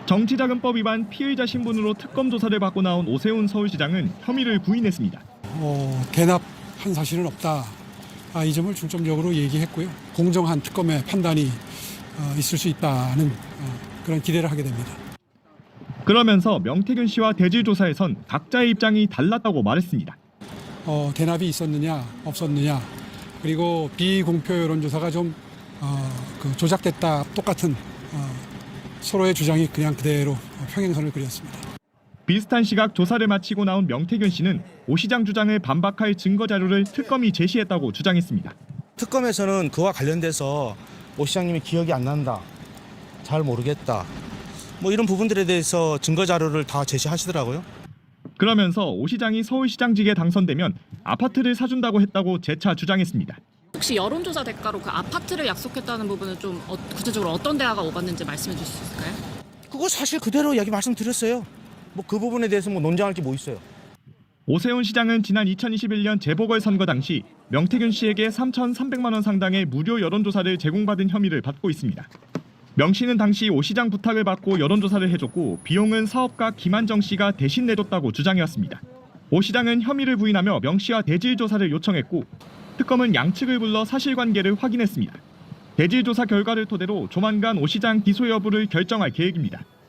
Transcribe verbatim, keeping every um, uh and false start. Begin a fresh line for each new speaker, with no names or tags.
정치자금법 위반 피의자 신분으로 특검 조사를 받고 나온 오세훈 서울시장은 혐의를 부인했습니다.
어, 대납한 사실은 없다. 아, 이 점을 중점적으로 얘기했고요. 공정한 특검의 판단이 어, 있을 수 있다는 어, 그런 기대를 하게 됩니다.
그러면서 명태균 씨와 대질조사에선 각자의 입장이 달랐다고 말했습니다.
어, 대납이 있었느냐 없었느냐 그리고 비공표 여론조사가 좀 어, 그 조작됐다 똑같은 어, 서로의 주장이 그냥 그대로 평행선을 그렸습니다.
비슷한 시각 조사를 마치고 나온 명태균 씨는 오 시장 주장을 반박할 증거 자료를 특검이 제시했다고 주장했습니다.
특검에서는 그와 관련돼서 오 시장님이 기억이 안 난다, 잘 모르겠다, 뭐 이런 부분들에 대해서 증거 자료를 다 제시하시더라고요.
그러면서 오 시장이 서울시장직에 당선되면 아파트를 사준다고 했다고 재차 주장했습니다.
혹시 여론조사 대가로 그 아파트를 약속했다는 부분은 좀 어, 구체적으로 어떤 대화가 오갔는지 말씀해 주실 수 있을까요?
그거 사실 그대로 얘기 말씀드렸어요. 뭐 그 부분에 대해서 뭐 논쟁할 게 뭐 있어요.
오세훈 시장은 지난 이천이십일 년 재보궐선거 당시 명태균 씨에게 삼천삼백만 원 상당의 무료 여론조사를 제공받은 혐의를 받고 있습니다. 명 씨는 당시 오 시장 부탁을 받고 여론조사를 해줬고 비용은 사업가 김한정 씨가 대신 내줬다고 주장해왔습니다. 오 시장은 혐의를 부인하며 명 씨와 대질조사를 요청했고 특검은 양측을 불러 사실관계를 확인했습니다. 대질조사 결과를 토대로 조만간 오 시장 기소 여부를 결정할 계획입니다.